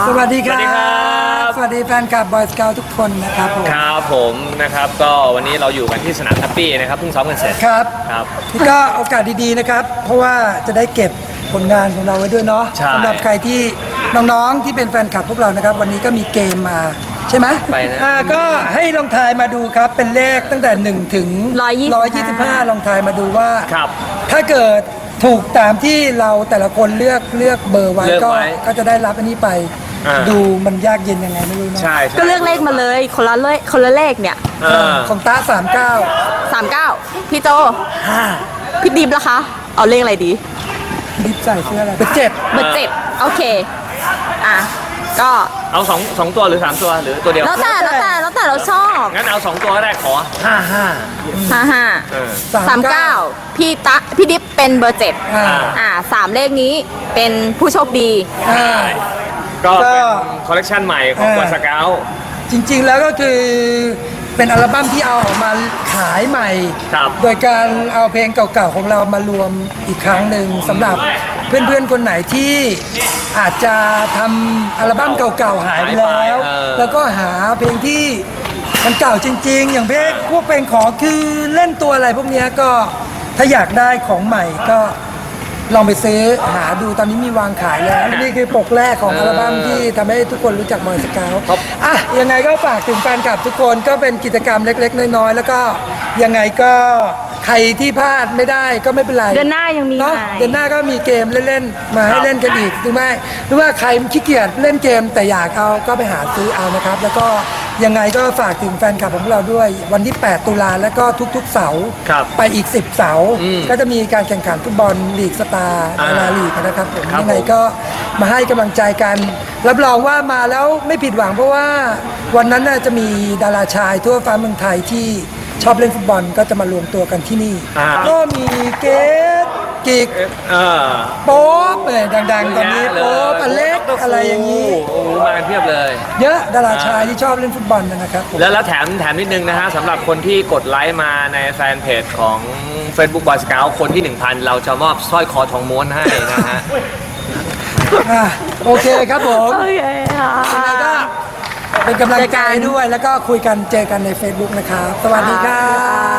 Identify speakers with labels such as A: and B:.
A: สวัสดีค
B: สวั
A: รั
B: สดีครับ บ
A: สวัสดีแฟนคลับบอยสเกลทุกคนนะครับผม
B: ครับผมนะครับก็วันนี้เราอยู่กันที่สนามแฮปปี้นะครับเพิ่งซ้อมกันเสร็จ
A: ครับ
B: ครับ
A: นี่ก็โอกาสดีๆนะครับ เพราะว่าจะได้เก็บผลงานของเราไว้ด้วยเนาะ
B: ใช่
A: สำหรับใครที่น้องๆที่เป็นแฟนคลับพวกเรานะครับ วันนี้ก็มีเกมมาใช่ไหม
B: ไปนะ
A: ก็ให้ลองทายมาดูครับเป็นเลขตั้งแต่1ถึง
C: 125
A: ลองทายมาดูว่า
B: ครับ
A: ถ้าเกิดถูกตามที่เราแต่ละคนเลือกเบอร์ไว้
B: เลือกไว้
A: ก็จะได้รับอันนี้ไป
B: อ่า
A: ดูมันยากเย็นยังไงไม่รู้เนาะ
B: ใช่
C: ก็เลือกเลขมาเลยคนละเลขเนี่ย
A: ของตา39
C: 39พี่โจ
A: 5
C: พี่ดิบล่ะคะเอาเลขอะไรดี
A: ดิบใส่เสื้ออะไรเป็นเจ็ด
C: เบอร์7โอเคอ่ะก็
B: เอาสองตัวหรือ3ตัวหรือตัวเดียว
C: แล้วแต่เราชอบ
B: งั้นเอา2ตัวก็ได้ขอ55เออ
C: 55พี่ดิบเป็นเบอร์7
A: อ่า
C: 3เลขนี้เป็นผู้โชคดี
A: อ่า
B: ก็เป็นคอลเลกชันใหม่ของบอยสเกล
A: จริงๆแล้วก็คือเป็นอัลบั้มที่เอาออกมาขายใหม่
B: ครับ
A: โดยการเอาเพลงเก่าๆของเรามารวมอีกครั้งหนึ่งสำหรับเพื่อนๆคนไหนที่อาจจะทำอัลบั้มเก่าๆหายไปแล้ว แล้วก็หาเพลงที่มันเก่าจริงๆ อย่างพวกเพลงขอคือเล่นตัวอะไรพวกเนี้ยก็ถ้าอยากได้ของใหม่ก็ลองไปซื้อหาดูตอนนี้มีวางขายแล้วนี่คือปกแรกของอัลบั้มที่ทำให้ทุกคนรู้จักบอยสเกล
B: ครับ
A: อ่ะยังไงก็ฝากถึงแฟนคลับทุกคนก็เป็นกิจกรรมเล็กๆน้อยๆแล้วก็ยังไงก็ใครที่พลาดไม่ได้ก็ไม่เป็นไร
C: เดือนหน้ายังมี
A: เนาะ
C: ใหม่
A: เดือนหน้าก็มีเกมเล่นๆมาให้เล่นกันอีกหรือไม่หรือว่าใครขี้เกียจเล่นเกมแต่อยากเอาก็ไปหาซื้อเอานะครับ แล้วก็ยังไงก็ฝากถึงแฟนคลับของเราด้วยวันที่ 8 ตุลาแล้วก็ทุกๆเสาร์
B: ครับ
A: ไปอีก 10 เสาร์ก็จะมีการแข่งขันฟุตบอลลีกสตาร์
B: อ่า
A: ดาราลีกนะครับผม
B: ครับ
A: ยังไง
B: ผม
A: ก็มาให้กำลังใจกัน รับรองว่ามาแล้วไม่ผิดหวังเพราะว่าวันนั้นน่ะจะมีดาราชายทั่วฟ้าเมืองไทยที่ชอบเล่นฟุตบอลก็จะมารวมตัวกันที่นี่ ก็มีเกตกิก
B: เออ
A: โป๊ปเลยดังๆ ตอนนี้โป๊ปอเล็กอะไรอย่างนี้
B: โอ้โหมากันเพียบเลย
A: เยอะดาราชายที่ชอบเล่นฟุตบอลนะครับผม
B: แล้วแถมนิดนึงนะฮะสำหรับคนที่กดไลค์มาในแฟนเพจของ Facebook Boy Scout คนที่ 1,000 เราจะมอบสร้อยคอทองม้วนให้นะฮะ
A: โอเคครับผม
C: โอเคค่ะ
A: ยังไงก็เป็นกำลังใจด้วยแล้วก็คุยกันเจอกันใน Facebook นะครับ สวัสดีครับ